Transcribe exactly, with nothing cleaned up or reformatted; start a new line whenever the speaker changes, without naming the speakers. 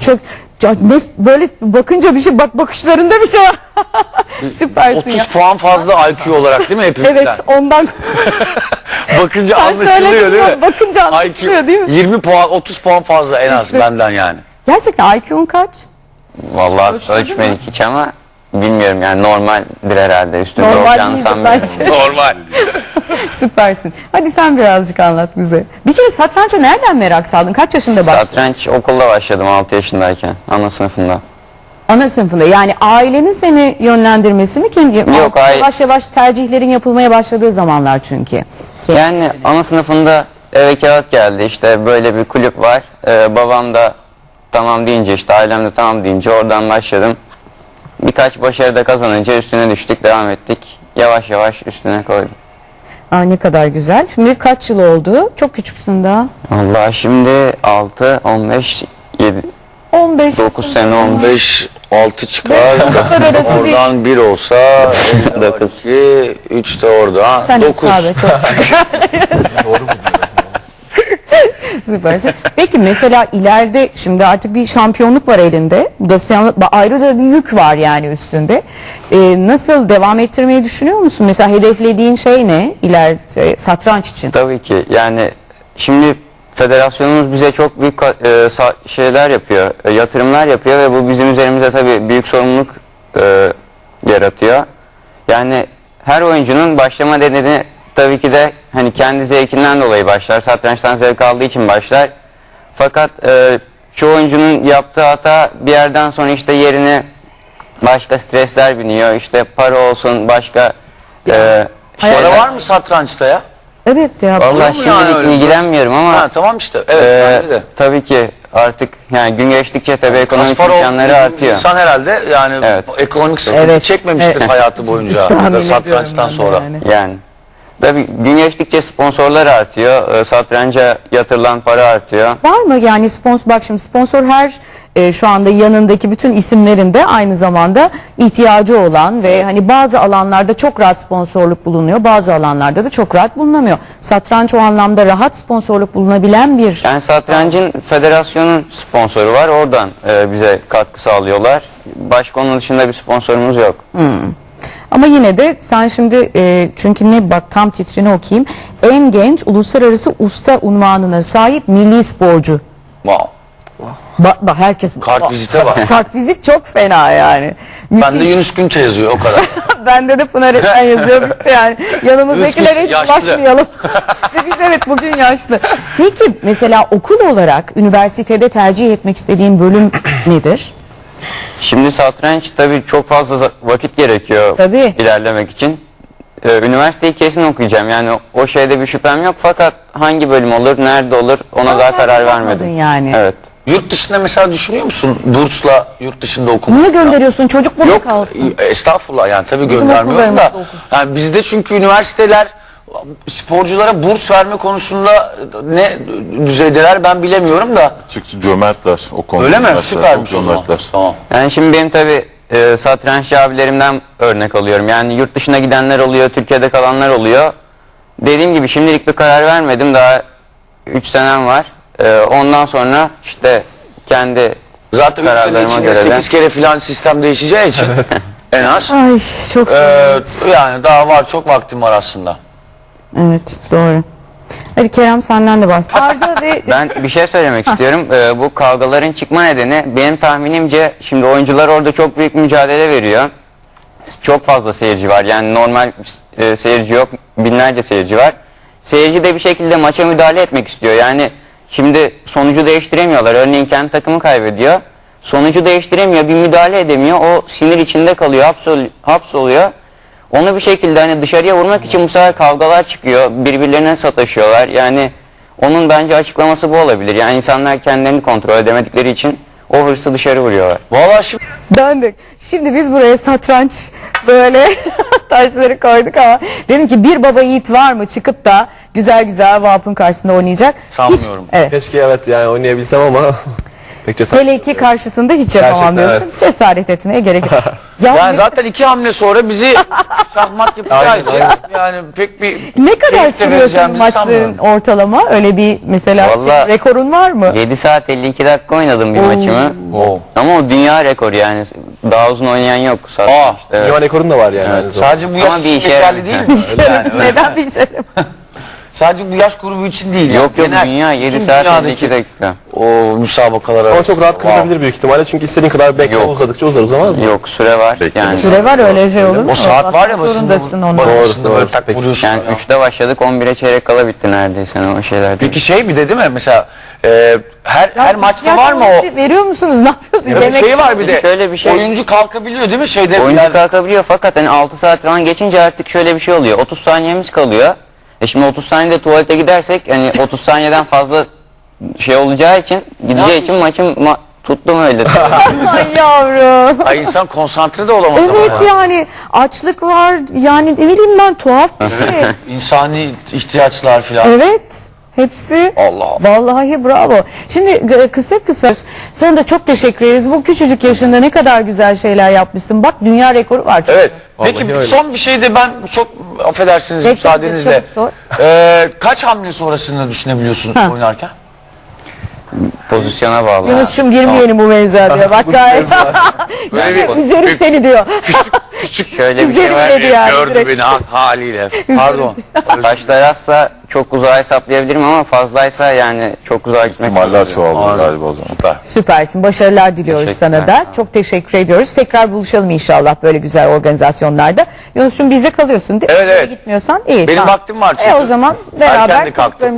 çok, çok ne, böyle bakınca bir şey, bak bakışlarında bir şey var. Süpersin
otuz
ya.
puan fazla I Q olarak değil mi hepimizden?
Evet, ondan.
Bakınca
Sen
anlaşılıyor
söyledin
değil
ya,
mi?
bakınca anlaşılıyor
I Q
değil mi?
yirmi puan, otuz puan fazla en az benden yani.
Gerçekten I Q'un kaç?
Vallahi
Ölçmedin
ölçmedik hiç ama bilmiyorum yani normaldir herhalde. Üstünde
Normal
olacağını
değildir
sanmıyorum.
bence.
Normal.
Süpersin. Hadi sen birazcık anlat bize. Bir kere satrança nereden merak saldın? Kaç yaşında başladın?
Satranç okulda başladım altı yaşındayken ana sınıfında.
Ana sınıfında. Yani ailenin seni yönlendirmesi mi? Kim?
Yok, aile-
Yavaş yavaş tercihlerin yapılmaya başladığı zamanlar çünkü. Kim?
Yani ana sınıfında eve kağıt geldi işte böyle bir kulüp var. Ee, babam da tamam deyince işte ailem de tamam deyince oradan başladım. Birkaç başarı da kazanınca üstüne düştük devam ettik. Yavaş yavaş üstüne koydum.
Aa, ne kadar güzel. Şimdi kaç yıl oldu? Çok küçüksün daha.
Allah şimdi altı, on beş, yedi,
on beş.
dokuz sene olmuş.
beş, altı çıkar.
Uluslararası bir-
Oradan bir olsa dokuz, üç de orada.
Sen
dokuz.
hesap et, çok. Süpersin. Peki mesela ileride şimdi artık bir şampiyonluk var elinde. Bu da sen- ayrıca bir yük var yani üstünde. Ee, nasıl devam ettirmeyi düşünüyor musun? Mesela hedeflediğin şey ne ileride satranç için?
Tabii ki yani şimdi federasyonumuz bize çok büyük ka- e, sa- şeyler yapıyor, e, yatırımlar yapıyor ve bu bizim üzerimize tabii büyük sorumluluk e, yaratıyor. Yani her oyuncunun başlama nedeni tabii ki de hani kendi zevkinden dolayı başlar, satrançtan zevk aldığı için başlar. Fakat e, çoğu oyuncunun yaptığı hata bir yerden sonra işte yerine başka stresler biniyor, işte para olsun, başka e, şeyler.
Para var mı satrançta ya?
Evet ya.
Vallahi
Olur mu yani
şimdilik
öyle?
ilgilenmiyorum ama
Ha, tamam işte. Evet,
e,
bence de.
tabii ki artık yani gün geçtikçe tabii ekonomik
Kasparov
imkanları
dediğimiz
artıyor.
İnsan herhalde yani
Evet.
ekonomik sıkıntı
Evet,
çekmemiştir
evet.
hayatı boyunca
Tahmin ediyorum
satrançtan
ben de
sonra.
yani.
Yani tabii gün geçtikçe sponsorlar artıyor, e, satranca yatırılan para artıyor.
Var mı yani sponsor, bak şimdi sponsor her e, şu anda yanındaki bütün isimlerin de aynı zamanda ihtiyacı olan ve hani bazı alanlarda çok rahat sponsorluk bulunuyor, bazı alanlarda da çok rahat bulunamıyor. Satranç o anlamda rahat sponsorluk bulunabilen bir...
Yani satrancın federasyonun sponsoru var, oradan e, bize katkı sağlıyorlar. Başka onun dışında bir sponsorumuz yok.
Ama yine de sen şimdi e, çünkü ne bak tam titrini okuyayım. En genç uluslararası usta unvanına sahip milli sporcu.
Wow.
Bak bak herkes...
Kart vizite var.
Kart vizit çok fena yani.
Bende
Müthiş.
Yunus Günçe yazıyor o kadar.
Bende de Pınar Esen yazıyor bitti yani. Yanımızdakilere hiç
Yaşlı.
başlayalım. Ve biz evet bugün yaşlı. Peki mesela okul olarak üniversitede tercih etmek istediğin bölüm nedir?
Şimdi satranç tabii çok fazla za- vakit gerekiyor
Tabii.
ilerlemek için. Ee, üniversiteyi kesin okuyacağım. Yani o şeyde bir şüphem yok fakat hangi bölüm olur, nerede olur ona
Daha
daha
tercih
karar
yapmadın
vermedim.
yani.
Evet.
Yurt dışında mesela düşünüyor musun? Bursla yurt dışında okumak.
Niye gönderiyorsun? Çocuk burada
Yok
kalsın.
e, estağfurullah yani tabii
Bizim
göndermiyorum da.
okullarımızda okusun.
Yani bizde çünkü üniversiteler sporculara burs verme konusunda ne düzeydeler ben bilemiyorum da.
Açıkçası cömertler o konuda.
Öyle mi?
Üniversiteler
Süpermiş
çok
o zaman.
cömertler.
Tamam.
Yani şimdi benim tabii e, satranççı abilerimden örnek alıyorum. Yani yurt dışına gidenler oluyor, Türkiye'de kalanlar oluyor. Dediğim gibi şimdilik bir karar vermedim. Daha üç senem var. E, ondan sonra işte kendi
Zaten üç sene
kararlarıma
içinde
göre de-
sekiz kere filan sistem değişeceği için en az.
Ay çok
Ee,
zor.
yani daha var çok vaktim var aslında.
Evet doğru. Hadi Kerem senden de bahset. Arda ve
Ben bir şey söylemek istiyorum. Ee, bu kavgaların çıkma nedeni benim tahminimce şimdi oyuncular orada çok büyük mücadele veriyor. Çok fazla seyirci var. Yani normal e, seyirci yok. Binlerce seyirci var. Seyirci de bir şekilde maça müdahale etmek istiyor. Yani şimdi sonucu değiştiremiyorlar. Örneğin kendi takımı kaybediyor. Sonucu değiştiremiyor. Bir müdahale edemiyor. O sinir içinde kalıyor. Hapsol, hapsoluyor. Onu bir şekilde hani dışarıya vurmak için bu sefer kavgalar çıkıyor. Birbirlerine sataşıyorlar. Yani onun bence açıklaması bu olabilir. Yani insanlar kendilerini kontrol edemedikleri için o hırsı dışarı vuruyorlar.
Vallahi şimdi
döndük. Şimdi biz buraya satranç böyle taşları koyduk ama dedim ki bir baba yiğit var mı çıkıp da güzel güzel Vap'ın karşısında oynayacak?
Sanmıyorum.
Hiç, evet.
Keşke evet yani oynayabilsem ama Pek cesaret
Hele ki karşısında hiç yapamam
Gerçekten,
diyorsun. Cesaret etmeye gerek yok. Ya
Yani
ne-
zaten iki hamle sonra bizi şahmat yapacağı için yani pek bir
ne kadar
keyif de
sürüyor senin
vereceğimizi
maçların
sanmıyorum.
ortalama? Öyle bir mesela şey,
Vallahi-
rekorun var mı?
yedi saat elli iki dakika oynadım bir maçımı.
Oo.
Ama o dünya rekoru yani. Daha uzun oynayan yok.
Aa,
Aa, evet.
Dünya rekorun da var yani. aynı zamanda.
Sadece bu yaş
Ama bir
için
işe
geçerli
yarar-
değil mi?
İşlerim, neden bir işlerim?
Sadece bu yaş grubu için değil.
Yok
yani.
yok
Genel-
dünya yedi
bütün
saat elli
dünyadaki
iki dakika.
O müsabakalar
Ama
arasında.
çok rahat
Wow.
kırılabilir büyük ihtimalle çünkü istediğin kadar bekle
Yok.
uzadıkça uzar uzamaz mı?
Yok süre var
Bekleme
yani.
Süre var öyle şey olur mu?
O saat var ya
Basmak zorundasın onu.
Doğru,
Doğru,
Böyle
doğru.
tak
Peki.
vuruyorsun.
Yani
ya.
üçte başladık on bire çeyrek kala bitti neredeyse o şeyler.
Peki şey bir de değil mi? Mesela e, her her maçta var mı o?
Veriyor musunuz? Ne yapıyorsunuz?
Ya bir
Yemek
şey var bir de.
Şöyle bir şey-
Oyuncu kalkabiliyor değil mi? Şeyde
Oyuncu
yani-
kalkabiliyor fakat hani altı saat falan geçince artık şöyle bir şey oluyor. otuz saniyemiz kalıyor. E şimdi otuz saniyede tuvalete gidersek hani otuz saniyeden fazla şey olacağı için gideceği için maçım ma- tuttum öyle.
Ay yavrum.
Ay insan konsantre de olamaz ama
Evet
ya.
yani açlık var yani ne bileyim ben tuhaf bir şey.
İnsani ihtiyaçlar filan.
Evet. Hepsi
Allah Allah.
vallahi bravo. Şimdi e, kısa kısa sana da çok teşekkür ederiz. Bu küçücük yaşında ne kadar güzel şeyler yapmışsın. Bak dünya rekoru var. Çok.
Evet.
Vallahi
Peki
öyle.
son bir şey de ben çok affedersiniz
Bekle,
müsaadenizle.
çabuk sor.
Ee, kaç hamle sonrasını düşünebiliyorsun
Ha.
oynarken?
Pozisyona bağlı.
Yunus'cum girmeyelim bu mevzuya diyor. Bak gayet.
Böyle
Yani
bir-
üzerim seni diyor.
Şöyle bir şey
Üzerim
var.
dedi yani.
Gördü
direkt.
beni ha- haliyle. Pardon.
Taşlar azsa çok uzağa hesaplayabilirim ama fazlaysa yani çok uzağa gitmek
İhtimaller
zorundayım.
çoğalıyor galiba o zaman.
Süpersin. Başarılar diliyoruz
Teşekkürler.
sana da. Çok teşekkür ediyoruz. Tekrar buluşalım inşallah böyle güzel organizasyonlarda. Yunus'cum bizde kalıyorsun değil mi?
Evet, evet.
Gitmiyorsan iyi.
Benim
tamam.
vaktim var
E o
çünkü.
zaman
Erken
beraber
de kalktım.